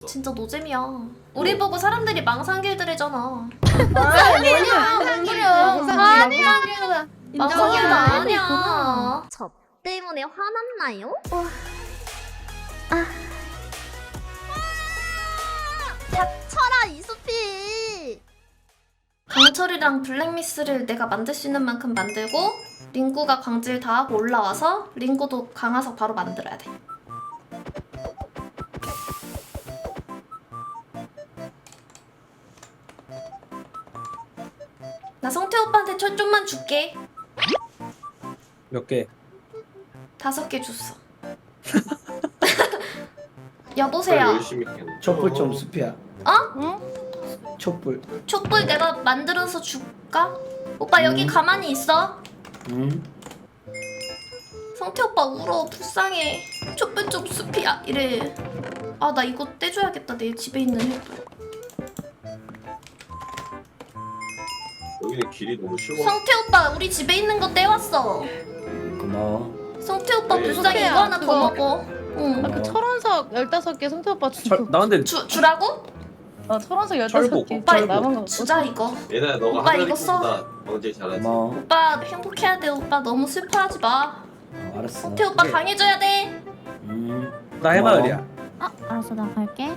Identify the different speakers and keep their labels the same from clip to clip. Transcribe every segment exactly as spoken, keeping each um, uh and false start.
Speaker 1: 진짜 노잼이야. 우리 보고 사람들이 망상길들이잖아.
Speaker 2: 아니야.
Speaker 1: 아니야. 망상길도
Speaker 2: 인정이야.
Speaker 1: 아니야. 저 때문에 화났나요?
Speaker 2: 닥쳐라 이수피.
Speaker 1: 강철이랑 블랙미스를 내가 만들 수 있는 만큼 만들고 링구가 광질 다 하고 올라와서 링구도 강화석 바로 만들어야 돼. 나 성태 오빠한테 철 좀만 줄게.
Speaker 3: 몇 개?
Speaker 1: 다섯 개 줬어. 여보세요.
Speaker 4: 열심히 했네.
Speaker 5: 촛불 좀 수피야.
Speaker 1: 어?
Speaker 5: 촛불.
Speaker 1: 촛불 내가 만들어서 줄까? 오빠 여기
Speaker 5: 음.
Speaker 1: 가만히 있어.
Speaker 5: 응.
Speaker 1: 성태 오빠 울어. 불쌍해. 촛불 좀 숲이야 이래. 아 나 이거 떼줘야겠다. 내 집에 있는 횃불.
Speaker 4: 여기는 길이 너무 쉬워.
Speaker 1: 성태 오빠 우리 집에 있는 거 떼왔어.
Speaker 5: 고마워.
Speaker 1: 성태 오빠
Speaker 4: 네,
Speaker 1: 불쌍해.
Speaker 2: 소피야,
Speaker 1: 이거 하나 더
Speaker 2: 그거.
Speaker 1: 먹어. 응.
Speaker 2: 아, 그 철원석 열다섯 개 성태 오빠
Speaker 3: 철,
Speaker 2: 주고.
Speaker 3: 나 근데
Speaker 1: 주, 주라고?
Speaker 2: 어 철원석 열다섯
Speaker 3: 철복.
Speaker 2: 개.
Speaker 1: 오빠
Speaker 2: 남은 거
Speaker 1: 이거 주자 이거.
Speaker 4: 얘네 너가
Speaker 1: 오빠
Speaker 4: 하나리
Speaker 1: 이거 써.
Speaker 4: 보다 언제 잘하지.
Speaker 5: 고마워.
Speaker 1: 오빠 행복해야 돼. 오빠 너무 슬퍼하지 마.
Speaker 5: 어, 알았어.
Speaker 1: 성태 오빠
Speaker 3: 네.
Speaker 1: 강해져야 돼.
Speaker 5: 음.
Speaker 3: 나 해마을이야.
Speaker 6: 아, 알았어, 나 갈게.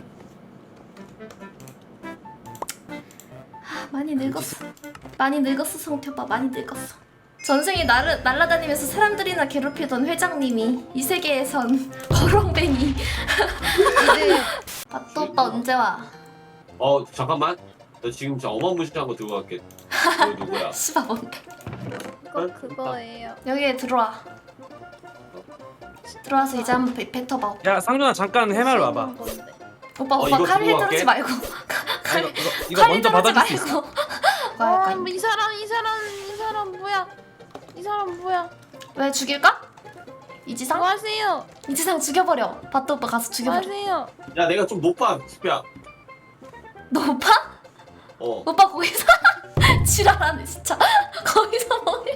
Speaker 1: 아, 많이 늙었어. 많이 늙었어 성태 오빠. 많이 늙었어. 전생에 나를 날아다니면서 사람들이나 괴롭히던 회장님이 이 세계에선 거렁뱅이. 아, 또 오빠 언제 와?
Speaker 4: 어 잠깐만. 너 지금 진짜 어마무시한 거 들고 갈게. 너 누구야?
Speaker 1: 씨발 뭔데?
Speaker 2: 그거 그거예요.
Speaker 1: 여기에 들어와. 들어와서 이제 한번 뱉- 뱉어봐. 오빠
Speaker 3: 야 상준아 잠깐 해마을 와봐.
Speaker 1: 오빠,
Speaker 4: 어,
Speaker 1: 오빠
Speaker 4: 이거
Speaker 1: 칼
Speaker 4: 들고
Speaker 1: 헤드르지
Speaker 4: 갈게.
Speaker 1: 말고.
Speaker 3: 아,
Speaker 1: 칼
Speaker 3: 이거 이거, 이거
Speaker 1: 칼
Speaker 3: 먼저
Speaker 1: 헤드르지
Speaker 3: 받아줄 수 있어.
Speaker 1: 말고. 뭐 할까?
Speaker 2: 아, 이 사람 이 사람 이 사람 뭐야? 이 사람 뭐야?
Speaker 1: 왜 죽일까? 이지상?
Speaker 2: 뭐 하세요?
Speaker 1: 이지상 죽여버려. 바또 오빠 가서
Speaker 2: 뭐
Speaker 1: 죽여버려.
Speaker 2: 하세요?
Speaker 4: 야 내가 좀 높아. 수피야.
Speaker 1: 너 오빠?
Speaker 4: 어.
Speaker 1: 오빠 거기서 지랄하네 진짜. 거기서 뭐해?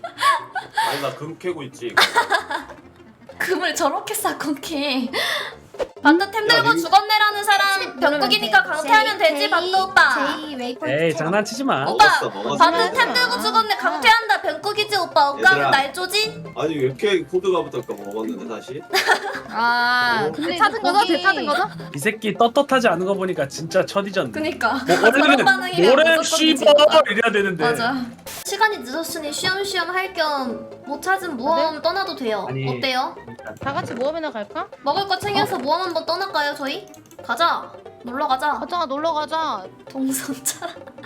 Speaker 4: 아니 나 금 캐고 있지.
Speaker 1: 금을 저렇게 쌓고 캐. 바트 템 들고
Speaker 4: 야, 니-
Speaker 1: 죽었네라는 사람 병국이니까 강퇴하면 되지 바또 오빠.
Speaker 3: 에이 장난치지 마.
Speaker 1: 오빠
Speaker 4: 먹었어, 먹었어.
Speaker 1: 바트 템 들고 죽었네 강퇴한다 병국이지 오빠. 오빠는
Speaker 4: 얘들아.
Speaker 1: 날 쪼지?
Speaker 4: 아니 왜 이렇게 코드가 붙을까 먹었는데 다시.
Speaker 2: 아,
Speaker 4: 어?
Speaker 2: 근데 찾은 거죠? 배 찾은 거죠?
Speaker 3: 이 새끼 떳떳하지 않은 거 보니까 진짜 첫이졌네.
Speaker 1: 그니까.
Speaker 3: 뭐
Speaker 1: 저런
Speaker 3: 원래는
Speaker 1: 반응이면
Speaker 3: 뭐래
Speaker 1: 무조건
Speaker 3: 씨발
Speaker 1: 뒤집어.
Speaker 3: 이래야 되는데.
Speaker 1: 맞아. 시간이 늦었으니 쉬엄쉬엄 할 겸 못 찾은 모험 떠나도 돼요.
Speaker 3: 아니.
Speaker 1: 어때요?
Speaker 2: 다 같이 모험이나 갈까?
Speaker 1: 먹을 거 챙겨서 모험 한번 떠날까요 저희? 가자. 놀러 가자.
Speaker 2: 가자 놀러 가자.
Speaker 1: 동선자.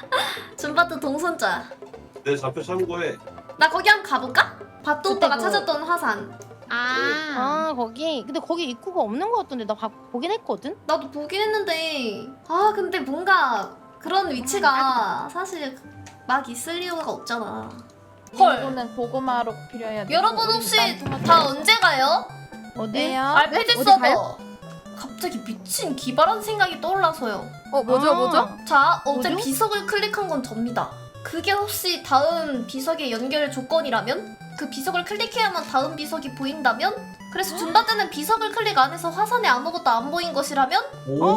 Speaker 1: 준바트 동선자.
Speaker 4: 내 좌표 참고해.
Speaker 1: 나 거기 한번 가볼까? 바또
Speaker 2: 그때
Speaker 1: 오빠가
Speaker 2: 그-
Speaker 1: 찾았던 화산.
Speaker 2: 아, 아 거기 근데 거기 입구가 없는 거 같던데 나 가, 보긴 했거든.
Speaker 1: 나도 보긴 했는데 아 근데 뭔가 그런 위치가 사실 막 있을 이유가 없잖아. 헐.
Speaker 2: 이거는 고구마로 필요해야 돼.
Speaker 1: 여러분 혹시 다 언제 가요?
Speaker 2: 어디에요?
Speaker 1: 알페드
Speaker 2: 어디
Speaker 1: 서버.
Speaker 2: 가요?
Speaker 1: 갑자기 미친 기발한 생각이 떠올라서요.
Speaker 2: 어 뭐죠 뭐죠?
Speaker 1: 자, 어제
Speaker 2: 뭐죠?
Speaker 1: 비석을 클릭한 건 접니다. 그게 혹시 다음 비석의 연결 조건이라면? 그 비석을 클릭해야만 다음 비석이 보인다면? 그래서 준바드는 비석을 클릭 안 해서 화산에 아무것도 안 보인 것이라면?
Speaker 3: 오.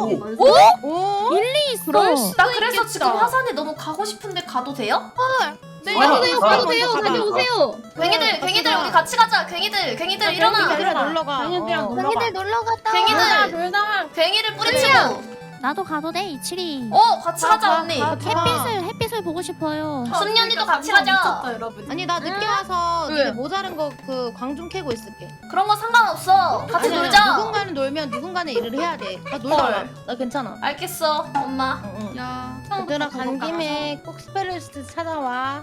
Speaker 2: 오?
Speaker 6: 일리 있어.
Speaker 2: 그럴 수-
Speaker 1: 나 그래서
Speaker 2: 있겠다.
Speaker 1: 지금 화산에 너무 가고 싶은데 가도 돼요?
Speaker 2: 네,
Speaker 3: 아,
Speaker 2: 가도 돼요,
Speaker 3: 아,
Speaker 2: 가도
Speaker 3: 아,
Speaker 2: 돼요,
Speaker 3: 아,
Speaker 2: 다녀오세요.
Speaker 1: 괭이들, 괭이들 우리 같이 가자. 괭이들, 괭이들 일어나.
Speaker 2: 괭이들이랑 놀러 가.
Speaker 6: 괭이들이랑
Speaker 2: 어.
Speaker 6: 놀러 가.
Speaker 2: 놀러 갔다.
Speaker 1: 괭이들,
Speaker 2: 돌다.
Speaker 1: 괭이를 뿌리치고.
Speaker 6: 나도 가도 돼, 이칠이.
Speaker 1: 어, 같이
Speaker 2: 가,
Speaker 1: 가자
Speaker 2: 가,
Speaker 1: 언니.
Speaker 2: 가.
Speaker 6: 햇빛을, 햇빛을 보고 싶어요.
Speaker 1: 순년이도 같이 가자.
Speaker 2: 아니 나 늦게 와서
Speaker 1: 왜?
Speaker 2: 니네 모자른 거 그 광중 캐고 있을게.
Speaker 1: 그런 거 상관없어. 같이
Speaker 2: 아니야,
Speaker 1: 놀자.
Speaker 2: 누군가는 놀면 누군가는 일을 해야 돼. 나 놀다
Speaker 1: 헐.
Speaker 2: 와. 나 괜찮아.
Speaker 1: 알겠어, 엄마.
Speaker 2: 응, 응.
Speaker 1: 야,
Speaker 2: 얘들아 간 김에 꼭 스페셜리스트 찾아와.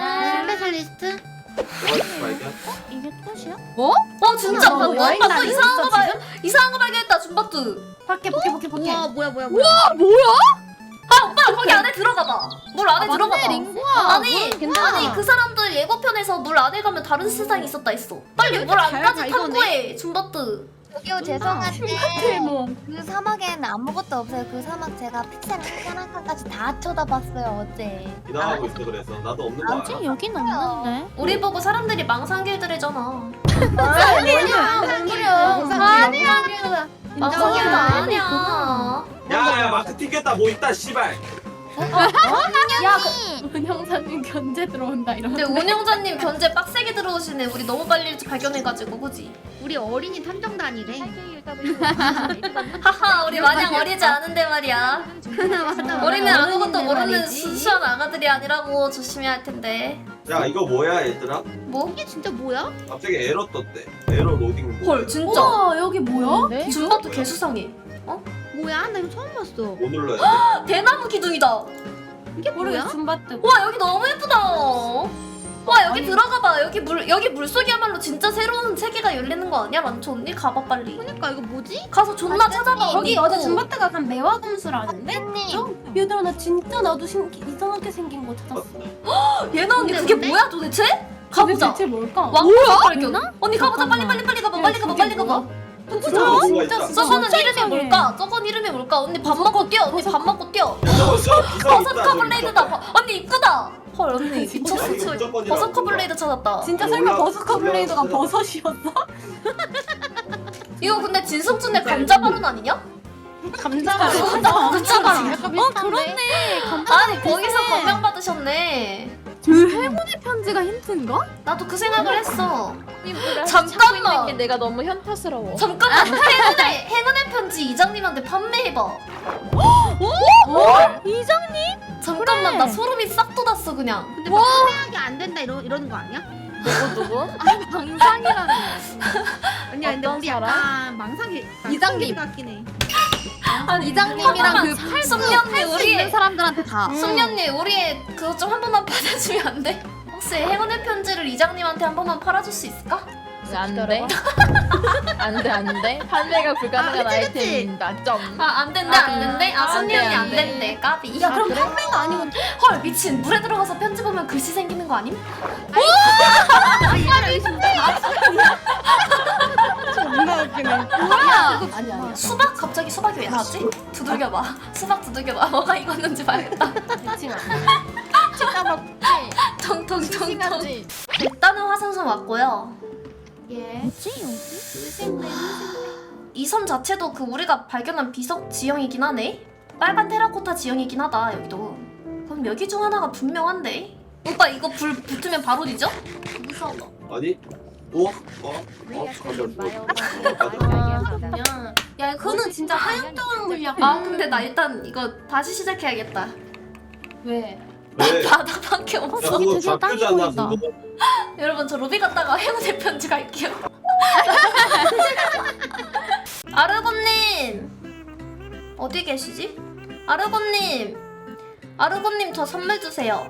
Speaker 1: 스페셜리스트?
Speaker 4: 뭐가 발견?
Speaker 6: 이게 끝이야?
Speaker 1: 어 진짜
Speaker 2: 어,
Speaker 1: 방금
Speaker 2: 와인
Speaker 1: 방금
Speaker 2: 나이
Speaker 1: 이상한 거
Speaker 2: 있어,
Speaker 1: 발 이상한 거 발견했다 준바트. 밖에 밖에 밖에 밖에.
Speaker 2: 우와 뭐야 뭐야 뭐야.
Speaker 1: 아 오빠 거기 안에 들어가 봐. 물 안에 들어가 봐.
Speaker 2: 링구야.
Speaker 1: 아니
Speaker 2: 괜찮아.
Speaker 1: 아니 그 사람들 예고편에서 물 안에 가면 다른 세상이 있었다 했어. 빨리 물 안까지 탐구해 준바트.
Speaker 7: 저기요 죄송한데 그 사막에는 아무것도 없어요. 그 사막 제가 픽셀 한 칸까지 다 쳐다봤어요 어제.
Speaker 4: 기다하고 있어 그래서 나도 없는 거
Speaker 6: 아직
Speaker 4: 알아.
Speaker 6: 여긴 없는데.
Speaker 1: 우리 보고 사람들이 망상길들이잖아.
Speaker 2: 아니야.
Speaker 1: 아니야.
Speaker 2: 아니야.
Speaker 1: 망상길도 아니야.
Speaker 4: 마이크 튕겼다 뭐 있다 씨발.
Speaker 1: 야, 그,
Speaker 8: 운영사님 견제 들어온다 이런.
Speaker 1: 근데 운영자님 견제 빡세게 들어오시네. 우리 너무 빨리 발견해가지고, 그지?
Speaker 7: 우리 어린이 탐정단이래.
Speaker 1: 하하, 우리 마냥 어리지 않은데 말이야.
Speaker 7: 맞아.
Speaker 1: 우리는 아무것도 모르는
Speaker 7: 말이지.
Speaker 1: 순수한 아가들이 아니라고 조심해야 할 텐데.
Speaker 4: 야 이거 뭐야 얘들아?
Speaker 1: 뭐?
Speaker 7: 이게 진짜 뭐야?
Speaker 4: 갑자기 에러 떴대. 에러 로딩. 뭐.
Speaker 1: 헐, 진짜.
Speaker 8: 우와 여기 뭐야?
Speaker 2: 네?
Speaker 1: 준바도 개수상해.
Speaker 7: 뭐야? 나 이거 처음 봤어.
Speaker 4: 뭐 눌러야 돼?
Speaker 1: 대나무 기둥이다.
Speaker 7: 이게
Speaker 8: 모르겠어.
Speaker 7: 뭐야?
Speaker 8: 줌바트.
Speaker 1: 와, 여기 너무 예쁘다. 와, 여기 들어가봐. 여기 물 여기 물속이야말로 진짜 새로운 세계가 열리는 거 아니야? 란초 언니 가봐 빨리.
Speaker 7: 그러니까 이거 뭐지?
Speaker 1: 가서 존나 찾아봐.
Speaker 8: 거기
Speaker 1: 언니.
Speaker 8: 어제
Speaker 1: 어.
Speaker 8: 줌바트가 간 매화검수라는데?
Speaker 7: 님
Speaker 8: 얘들아 나 진짜 나도 신기, 이상하게 생긴 거 찾았어.
Speaker 1: 얘나 언니
Speaker 7: 근데
Speaker 1: 그게
Speaker 7: 뭔데?
Speaker 1: 뭐야 도대체? 가보자.
Speaker 8: 대체 뭘까?
Speaker 1: 왕국의 발견. 언니 가보자. 빨리 빨리 빨리 가봐.
Speaker 8: 야,
Speaker 1: 빨리 가봐.
Speaker 8: 그게
Speaker 1: 빨리 가봐.
Speaker 8: 진짜
Speaker 4: 뭐가
Speaker 8: 진짜
Speaker 4: 있다.
Speaker 8: 진짜
Speaker 1: 저거는
Speaker 8: 진짜
Speaker 1: 이름이
Speaker 8: 이상해.
Speaker 1: 뭘까? 저건 이름이 뭘까? 언니 밥 먹고 뛰어. 언니 밥 먹고 뛰어.
Speaker 4: 저거 저 비서
Speaker 1: 버섯
Speaker 4: 있다.
Speaker 1: 커블레이드다. 버- 언니 이쁘다. 헐 언니 미쳤어.
Speaker 4: 이거
Speaker 1: 저
Speaker 4: 무조건이라고.
Speaker 1: 버섯 커블레이드 찾았다.
Speaker 8: 진짜
Speaker 4: 올라-
Speaker 8: 설마 버섯 커블레이드가
Speaker 4: 올라갔어.
Speaker 8: 버섯이었어?
Speaker 1: 이거 근데 진성준의 감자 발언 아니냐?
Speaker 2: 감자가
Speaker 1: 감자 감자가.
Speaker 6: 어 그렇네.
Speaker 1: 아니 거기서 감명 받으셨네.
Speaker 8: 그 행운의 편지가 힌트인가?
Speaker 1: 나도 그 생각을 했어.
Speaker 2: 잠깐만.
Speaker 1: 잠깐만.
Speaker 2: 게 내가 너무 현타스러워.
Speaker 1: 잠깐만. 행운의 행운의 편지 이장님한테 판매해봐.
Speaker 8: 어?
Speaker 6: 이장님?
Speaker 1: 잠깐만
Speaker 6: 그래.
Speaker 1: 나 소름이 싹 돋았어 그냥.
Speaker 7: 근데 막 판매하기 안 된다 이런 이러는 거 아니야?
Speaker 2: 누구 누구?
Speaker 7: 망상이라는. 아니야 근데
Speaker 2: 어떤
Speaker 7: 우리
Speaker 2: 사람?
Speaker 7: 약간 망상이
Speaker 8: 이장님.
Speaker 7: 같긴 해.
Speaker 1: 아니
Speaker 8: 이장님이랑 그
Speaker 1: 숙련님 우리의
Speaker 8: 사람들한테 다.
Speaker 1: 숙련님 우리의 그거 좀 한 번만 받아주면 안 돼? 혹시 행운의 편지를 이장님한테 한 번만 팔아줄 수 있을까?
Speaker 2: 안 돼. 안 돼, 안 돼. 판매가 불가능한
Speaker 7: 아,
Speaker 2: 아,
Speaker 7: 그치, 그치.
Speaker 2: 아이템입니다. 점.
Speaker 1: 아 안 된대 안 된대? 아
Speaker 2: 안
Speaker 1: 숙련이
Speaker 2: 돼,
Speaker 1: 안
Speaker 2: 안 돼.
Speaker 1: 된대 까비.
Speaker 8: 야 그럼 판매가 아니고
Speaker 1: 헐 미친 물에 들어가서 편지 보면 글씨 생기는 거 아님?
Speaker 7: 아 얘들아 이거 진짜
Speaker 8: 존나 웃기네. 뭐야?
Speaker 1: 아니 아니야. 수박 갑자기 수박이 왜 나왔지? 두들겨봐. 수박 두들겨봐. 뭐가 익었는지 봐야겠다.
Speaker 2: 대칭 안 돼. 치다 먹지.
Speaker 1: 통통통통.
Speaker 2: 싱싱하지.
Speaker 1: 일단은 화산섬 왔고요.
Speaker 7: 예.
Speaker 6: 뭐지 여기?
Speaker 1: 이 섬 자체도 그 우리가 발견한 비석 지형이긴 하네. 빨간 테라코타 지형이긴 하다 여기도. 그럼 여기 중 하나가 분명한데. 오빠 이거 불 붙으면 바로 뒤져? 무서워.
Speaker 4: 아니? 어? 어? 어?
Speaker 8: 그냥 야 그거는 진짜 하얀병 물약.
Speaker 1: 아 근데 나 일단 이거 다시 시작해야겠다.
Speaker 8: 왜?
Speaker 4: 왜?
Speaker 1: 바다밖에
Speaker 4: 야
Speaker 1: 없어.
Speaker 6: 되게
Speaker 4: 그거
Speaker 6: 땅이
Speaker 4: 좌표잖아
Speaker 6: 보인다.
Speaker 4: 그거.
Speaker 1: 여러분 저 로비 갔다가 행운의 편지 갈게요. 아르곤님 어디 계시지? 아르곤님 아르곤님 저 선물 주세요.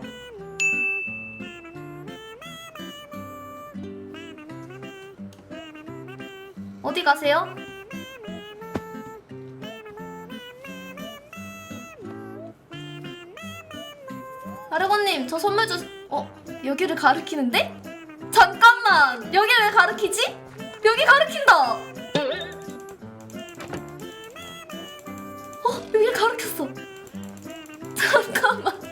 Speaker 1: 어디 가세요? 아르곤님 저 선물 주... 어? 여기를 가리키는데? 잠깐만 여기 왜 가리키지? 여기 가리킨다. 어? 여기 가리켰어. 잠깐만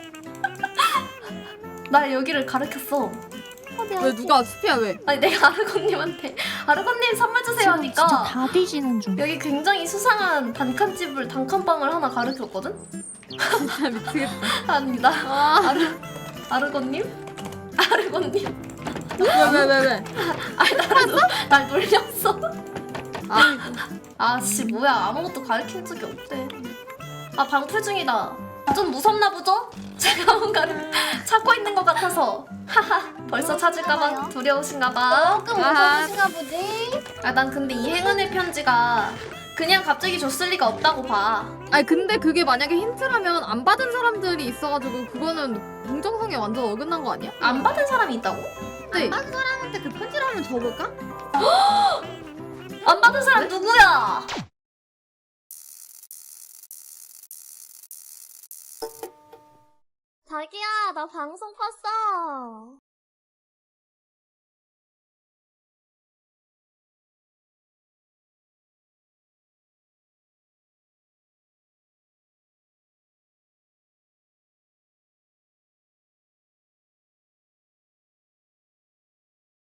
Speaker 1: 나 여기를 가리켰어.
Speaker 8: 왜 누가 스피야 왜?
Speaker 1: 아니 내가 아르곤님한테 아르곤님 선물 주세요
Speaker 6: 지금
Speaker 1: 하니까
Speaker 6: 진짜 다 뒤지는 중.
Speaker 1: 여기 굉장히 수상한 단칸집을 단칸방을 하나 가르쳤거든?
Speaker 8: 진짜 미치겠다.
Speaker 1: 아닙니다. 아르 아르곤님? 아르곤님?
Speaker 8: 왜왜 왜 왜?
Speaker 1: 아니 나를 날 놀렸어.
Speaker 8: 아
Speaker 1: 아씨 뭐야 아무것도 가르친 적이 없대. 아 방풀 중이다. 좀 무섭나 보죠? 제가 뭔가를 찾고 있는 것 같아서. 하하 벌써 찾을까봐 두려우신가봐.
Speaker 7: 조금
Speaker 8: 아하.
Speaker 7: 무서우신가 보지?
Speaker 1: 아 난 근데 이 행운의 편지가 그냥 갑자기 줬을 리가 없다고 봐.
Speaker 9: 아니 근데 그게 만약에 힌트라면 안 받은 사람들이 있어가지고 그거는 공정성에 완전 어긋난 거 아니야?
Speaker 1: 안 받은 사람이 있다고?
Speaker 9: 네.
Speaker 7: 딴 사람한테 그 편지를 한번 줘볼까?
Speaker 1: 안 받은 사람 누구야?
Speaker 7: 자기야 나 방송 봤어.